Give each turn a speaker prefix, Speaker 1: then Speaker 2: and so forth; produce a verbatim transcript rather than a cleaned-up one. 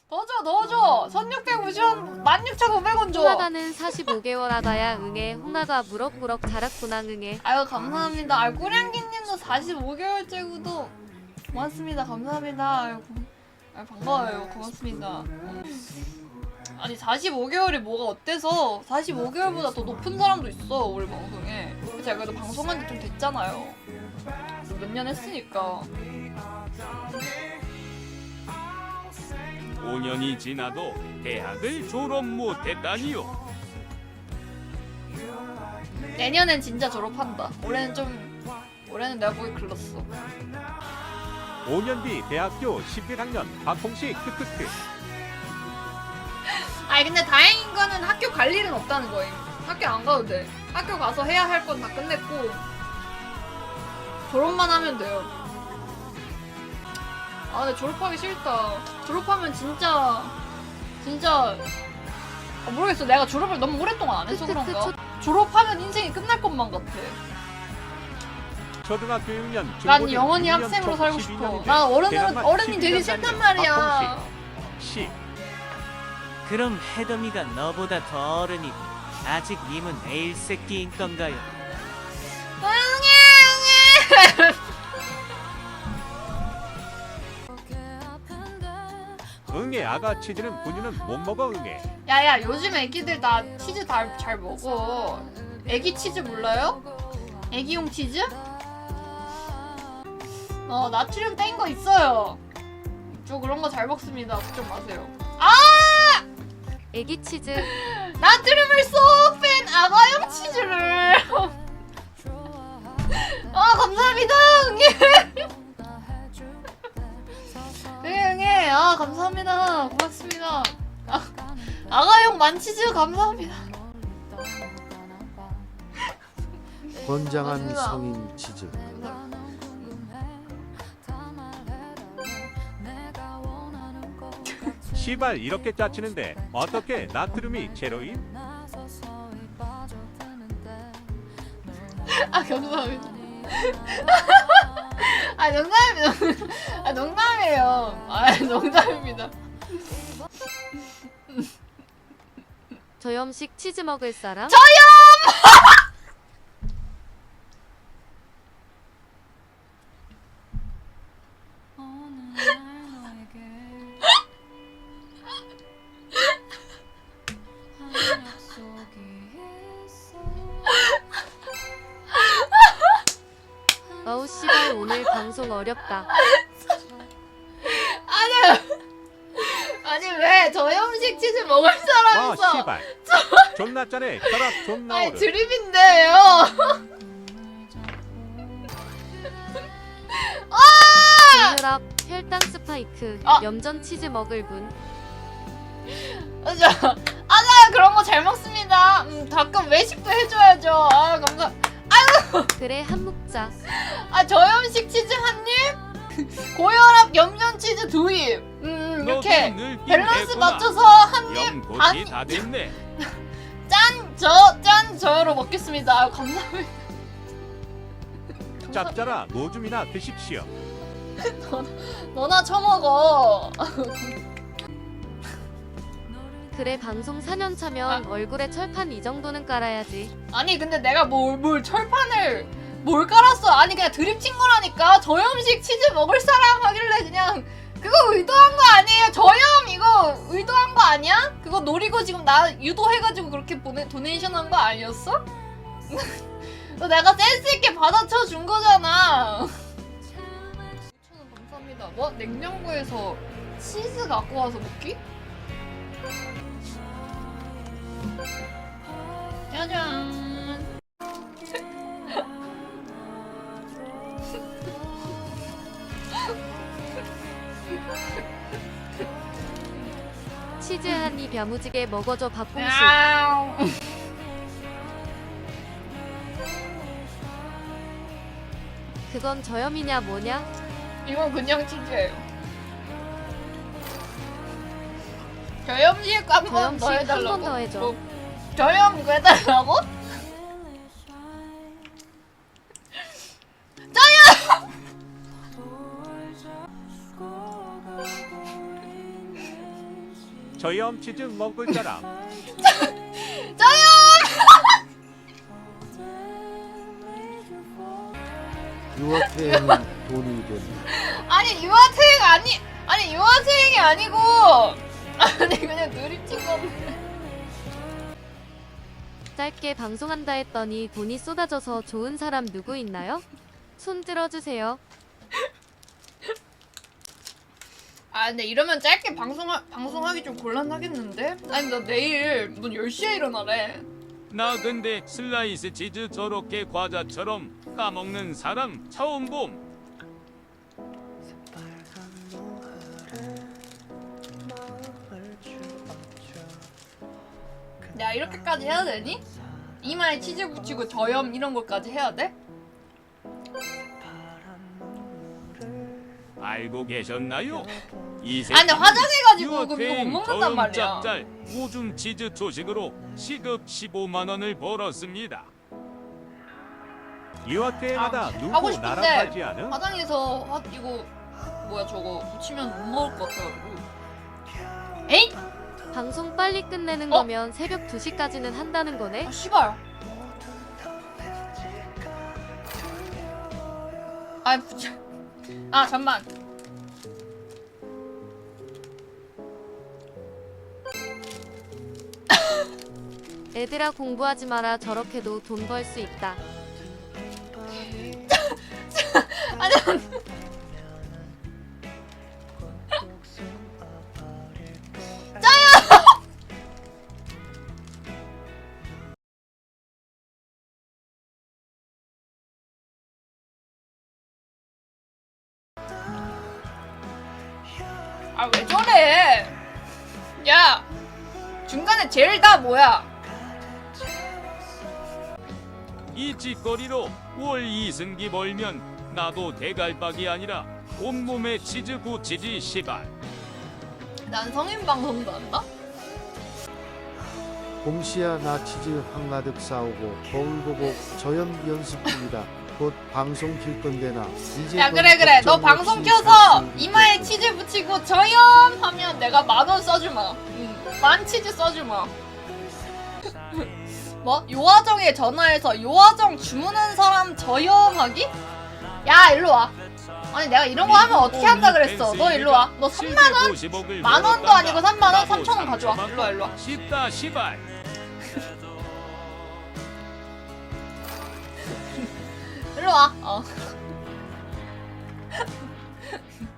Speaker 1: 넣어줘 넣어줘. 천육백오십 원 만 육천오백 원 줘.
Speaker 2: 홍하다는 사십오 개월 하다야 응애. 홍하다 무럭무럭 자랐구나 응애.
Speaker 1: 아유 감사합니다. 아유 꾸량기님도 사십오 개월째구도 고맙습니다. 감사합니다. 아유, 고, 아유 반가워요. 고맙습니다. 아니 사십오 개월이 뭐가 어때서 사십오 개월보다 더 높은 사람도 있어 우리 방송에. 제가 그래도 방송한 지 좀 됐잖아요. 몇 년 했으니까.
Speaker 3: 오 년이 지나도 대학을 졸업 못했다니요.
Speaker 1: 내년엔 진짜 졸업한다. 올해는 좀 올해는 내가 보기 글렀어.
Speaker 4: 오 년 뒤 대학교 십일 학년 박홍식 크크크.
Speaker 1: 아니 근데 다행인 거는 학교 갈 일은 없다는 거임. 학교 안 가도 돼. 학교 가서 해야 할 건 다 끝냈고 졸업만 하면 돼요. 아 근데 졸업하기 싫다. 졸업하면 진짜 진짜 아, 모르겠어. 내가 졸업을 너무 오랫동안 안 해서 그런가? 졸업하면 인생이 끝날 것만 같아.
Speaker 4: 초등학교 육 년
Speaker 1: 난 영원히 학생으로 살고 싶어. 난 어른은 어른이 되기 싫단 말이야.
Speaker 4: 시.
Speaker 5: 그럼 해덤이가 너보다 더 어른이고 아직 님은 애일 새끼인 건가요?
Speaker 1: 응애 응애.
Speaker 4: 응애 아가 치즈는 분유는 못 먹어 응애.
Speaker 1: 야야 요즘 애기들 다 치즈 다 잘 먹어. 애기 치즈 몰라요? 애기용 치즈? 어 나트륨 뗀 거 있어요. 저 그런 거 잘 먹습니다. 걱정 마세요. 아!
Speaker 2: 애기 치즈.
Speaker 1: 나트륨을 쏙 뺀 아가용 치즈를. 아 감사합니다 응애. 응애 응애 아 감사합니다. 고맙습니다. 아, 아가용 만치즈 감사합니다.
Speaker 6: 건장한
Speaker 1: 맞습니다.
Speaker 6: 성인 치즈.
Speaker 4: 시발 이렇게 짜치는데 어떻게 나트륨이 제로인?
Speaker 1: 아 감사합니다. 아 농담입니다. 아 농담이에요. 아 농담입니다.
Speaker 2: 저염식 치즈 먹을 사람? 어우 씨발 오늘 방송 어렵다.
Speaker 1: 아니 아니 왜 저염식 치즈 먹을
Speaker 4: 아
Speaker 1: 사람이서
Speaker 4: 시발. 존나 짜네. 혈압 존나
Speaker 1: 아니
Speaker 4: 오르.
Speaker 1: 드립인데요.
Speaker 2: 혈압, 혈당 스파이크,
Speaker 1: 아!
Speaker 2: 염전 치즈 먹을 분.
Speaker 1: 저 아나 그런 거 잘 먹습니다. 음, 가끔 외식도 해줘야죠. 아 감사.
Speaker 2: 그래 한 묵자.
Speaker 1: 아 저염식 치즈 한 입, 고혈압 염전 치즈 두 입. 음 이렇게 밸런스 맞춰서 한 입,
Speaker 3: 연꽃이
Speaker 1: 반,
Speaker 3: 다 됐네.
Speaker 1: 짠, 저, 짠, 저로 먹겠습니다. 아, 감사합니다.
Speaker 4: 짭짜라 노줌이나 드십시오.
Speaker 1: 너나 처먹어.
Speaker 2: 그래 방송 사 년 차면
Speaker 1: 아.
Speaker 2: 얼굴에 철판 이 정도는 깔아야지.
Speaker 1: 아니 근데 내가 뭘, 뭘 철판을 뭘 깔았어. 아니 그냥 드립 친 거라니까. 저염식 치즈 먹을 사람 하길래 그냥 그거 의도한 거 아니에요. 저염 이거 의도한 거 아니야? 그거 노리고 지금 나 유도해가지고 그렇게 보내, 도네이션 한 거 아니었어? 너 내가 센스 있게 받아쳐 준 거잖아. 오천 원 감사합니다. 뭐? 냉장고에서 치즈 갖고 와서 먹기? 짜잔.
Speaker 2: 치즈 한 입 야무지게 먹어줘 박공식.
Speaker 1: 야옹.
Speaker 2: 그건 저염이냐 뭐냐?
Speaker 1: 이건 그냥 치즈예요. 저염식 한 번
Speaker 2: 저염식
Speaker 1: 더
Speaker 2: 한
Speaker 1: 해달라고?
Speaker 2: 번 더 해줘.
Speaker 1: 뭐, 저염 이거 해달라고? 저염!
Speaker 4: 저염 치즈 먹을 사람.
Speaker 6: 유아태는 돈이 되네.
Speaker 1: 아니 유아트행 아니 아니 유아트행이 아니고 아니 그냥 드립친 건데.
Speaker 2: 짧게 방송한다 했더니 돈이 쏟아져서 좋은 사람 누구 있나요? 손 들어주세요.
Speaker 1: 아 근데 이러면 짧게 방송하, 방송하기 좀 곤란하겠는데? 아니 나 내일 문 열 시에 일어나래.
Speaker 3: 나 근데 슬라이스 치즈 저렇게 과자처럼 까먹는 사람 처음 봄.
Speaker 1: 야 이렇게까지 해야 되니? 이마에 치즈 붙이고 저염 이런 것까지 해야 돼?
Speaker 3: 알고 계셨나요? 이
Speaker 1: 아 근데 화장해가지고 그럼 이거 못
Speaker 3: 유어탱
Speaker 1: 먹는단
Speaker 3: 저염
Speaker 1: 말이야.
Speaker 3: 짭짤 오줌 치즈 초식으로 시급 십오만 원을 벌었습니다.
Speaker 4: 유아태행하다
Speaker 1: 아, 하고
Speaker 4: 누구
Speaker 1: 싶은데.
Speaker 4: 나락하지 않음?
Speaker 1: 화장해서 화, 이거 뭐야 저거 붙이면 못 먹을 것 같아가지고. 에잇!
Speaker 2: 방송 빨리 끝내는
Speaker 1: 어?
Speaker 2: 거면 새벽 두 시까지는 한다는 거네?
Speaker 1: 아 씨발. 아 붙여. 아 잠만.
Speaker 2: 애들아 공부하지 마라. 저렇게도 돈 벌 수 있다.
Speaker 1: 아니 아 왜 저래? 야 중간에 제일 다 뭐야?
Speaker 3: 이 짓거리로 월 이승기 벌면 나도 대갈박이 아니라 온몸에 치즈 붙이지 시발.
Speaker 1: 난 성인 방송도 한다?
Speaker 6: 봄씨야 나 치즈 한가득 싸오고 거울 보고 저염 연습 중이다. 곧 방송 킬 건데 나 이제
Speaker 1: 야
Speaker 6: 넌
Speaker 1: 그래 그래 너
Speaker 6: 걱정
Speaker 1: 방송
Speaker 6: 없이
Speaker 1: 켜서
Speaker 6: 살수
Speaker 1: 이마에
Speaker 6: 있겠지.
Speaker 1: 치즈 붙이고 저염 하면 내가 만 원 써주마. 응. 만 치즈 써주마. 뭐? 요화정에 전화해서 요화정 주문한 사람 저염하기? 야 일로 와. 아니 내가 이런 거 하면 어떻게 한다 그랬어. 너 일로 와. 너 삼만 원? 만 원도 아니고 삼만 원? 삼천 원 가져와. 일로 와 일로 와.
Speaker 3: 쉽다 시발.
Speaker 1: 일로 와. 어.